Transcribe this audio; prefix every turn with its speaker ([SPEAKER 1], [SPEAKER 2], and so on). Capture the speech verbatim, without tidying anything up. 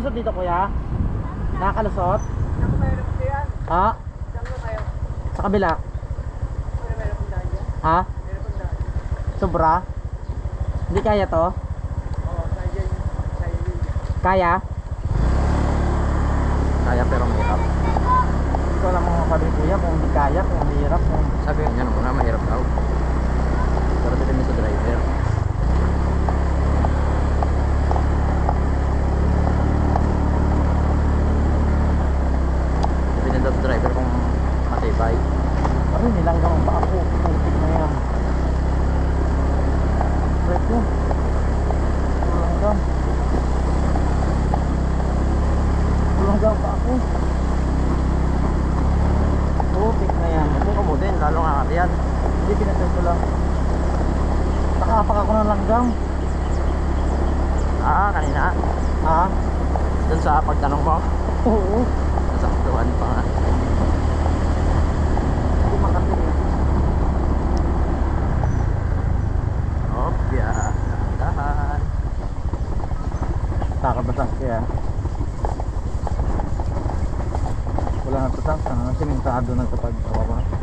[SPEAKER 1] nakakalusot dito kuya? Nakakalusot?
[SPEAKER 2] Ako mayroon ko yan.
[SPEAKER 1] Ha?
[SPEAKER 2] Saan mo kayo?
[SPEAKER 1] Sa kabila?
[SPEAKER 2] Ano mayroon kong daan dyan?
[SPEAKER 1] Ha?
[SPEAKER 2] Mayroon kong daan.
[SPEAKER 1] Sobra? Hindi kaya to?
[SPEAKER 2] Oo, sa'yo dyan. Sa'yo yun.
[SPEAKER 1] Kaya?
[SPEAKER 3] Kaya pero mahirap.
[SPEAKER 1] Ikaw lang mga sabi kuya kung hindi kaya, kung hirap, kung...
[SPEAKER 3] Sabi nga niya muna mahirap daw. Pero depende sa driver. Depende daw sa driver kung matibay.
[SPEAKER 1] Ano nilanggang ang paa ko, putik na yan. Wait mo. Nilanggang. Nilanggang ang paa ko. Putik na yan.
[SPEAKER 3] Kung kamutin, lalo nga yan.
[SPEAKER 1] Hindi pinatay ko lang. Nakapak ako ng langgang.
[SPEAKER 3] Ah, kanina.
[SPEAKER 1] Ha?
[SPEAKER 3] Doon sa pagtanong mo,
[SPEAKER 1] Oo.
[SPEAKER 3] nasaktuhan pa nga.
[SPEAKER 1] Hindi makatingin.
[SPEAKER 3] Opya, dahan.
[SPEAKER 1] Takabasang kaya. Wala na tatang. Sana simentado na sa pagkawa.